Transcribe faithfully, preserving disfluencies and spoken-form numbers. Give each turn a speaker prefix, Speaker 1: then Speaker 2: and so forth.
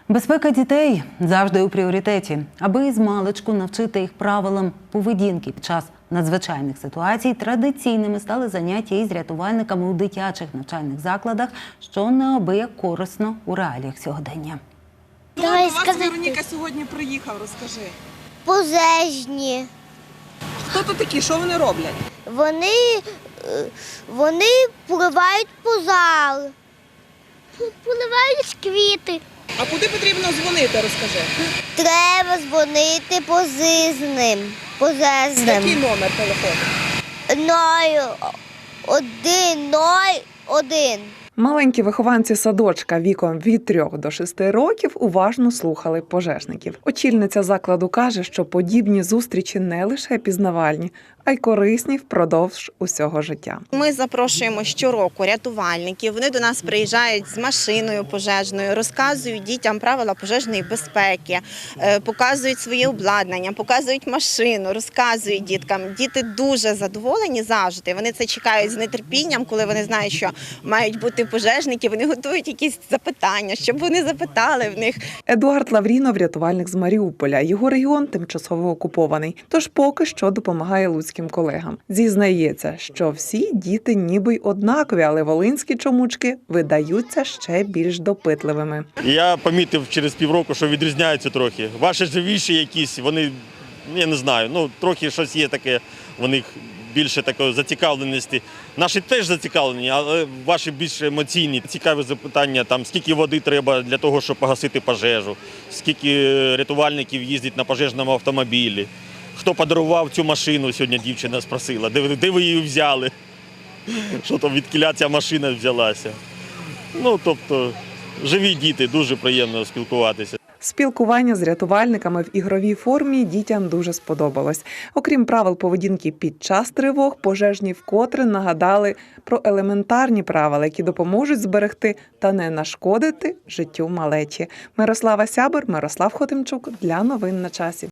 Speaker 1: Безпека дітей завжди у пріоритеті. Аби із маличку навчити їх правилам поведінки під час надзвичайних ситуацій, традиційними стали заняття із рятувальниками у дитячих навчальних закладах, що неабияк корисно у реаліях сьогодення.
Speaker 2: Давай, до вас Вероніка сьогодні приїхав, розкажи.
Speaker 3: Пожежні.
Speaker 2: Хто тут такі, що вони роблять?
Speaker 3: Вони, е, вони поливають пожар, поливають квіти.
Speaker 2: А куди потрібно дзвонити, розкажи?
Speaker 3: Треба дзвонити пожежним. Пожежним.
Speaker 2: Який номер телефону?
Speaker 3: Ноль, один, ноль, один.
Speaker 4: Маленькі вихованці садочка віком від трьох до шести років уважно слухали пожежників. Очільниця закладу каже, що подібні зустрічі не лише пізнавальні, а й корисні впродовж усього життя.
Speaker 5: Ми запрошуємо щороку рятувальників. Вони до нас приїжджають з машиною пожежною, розказують дітям правила пожежної безпеки, показують своє обладнання, показують машину, розказують діткам. Діти дуже задоволені завжди. Вони це чекають з нетерпінням, коли вони знають, що мають бути пожежники. Вони готують якісь запитання, щоб вони запитали в них.
Speaker 4: Едуард Лаврінов – рятувальник з Маріуполя. Його регіон тимчасово окупований, тож поки що допомагає луцьким колегам. Зізнається, що всі діти ніби й однакові, але волинські чомучки видаються ще більш допитливими.
Speaker 6: Я помітив через півроку, що відрізняються трохи. Ваші живіші якісь, вони, я не знаю, ну трохи щось є таке, в них більше такої зацікавленості. Наші теж зацікавлені, але ваші більш емоційні. Цікаві запитання, там, скільки води треба для того, щоб погасити пожежу, скільки рятувальників їздять на пожежному автомобілі. Хто подарував цю машину, сьогодні дівчина спросила, де, де ви її взяли, що там, відкіля ця машина взялася. Ну, тобто, живі діти, дуже приємно спілкуватися.
Speaker 4: Спілкування з рятувальниками в ігровій формі дітям дуже сподобалось. Окрім правил поведінки під час тривог, пожежні вкотре нагадали про елементарні правила, які допоможуть зберегти та не нашкодити життю малечі. Мирослава Сябер, Мирослав Хотимчук для новин на часі.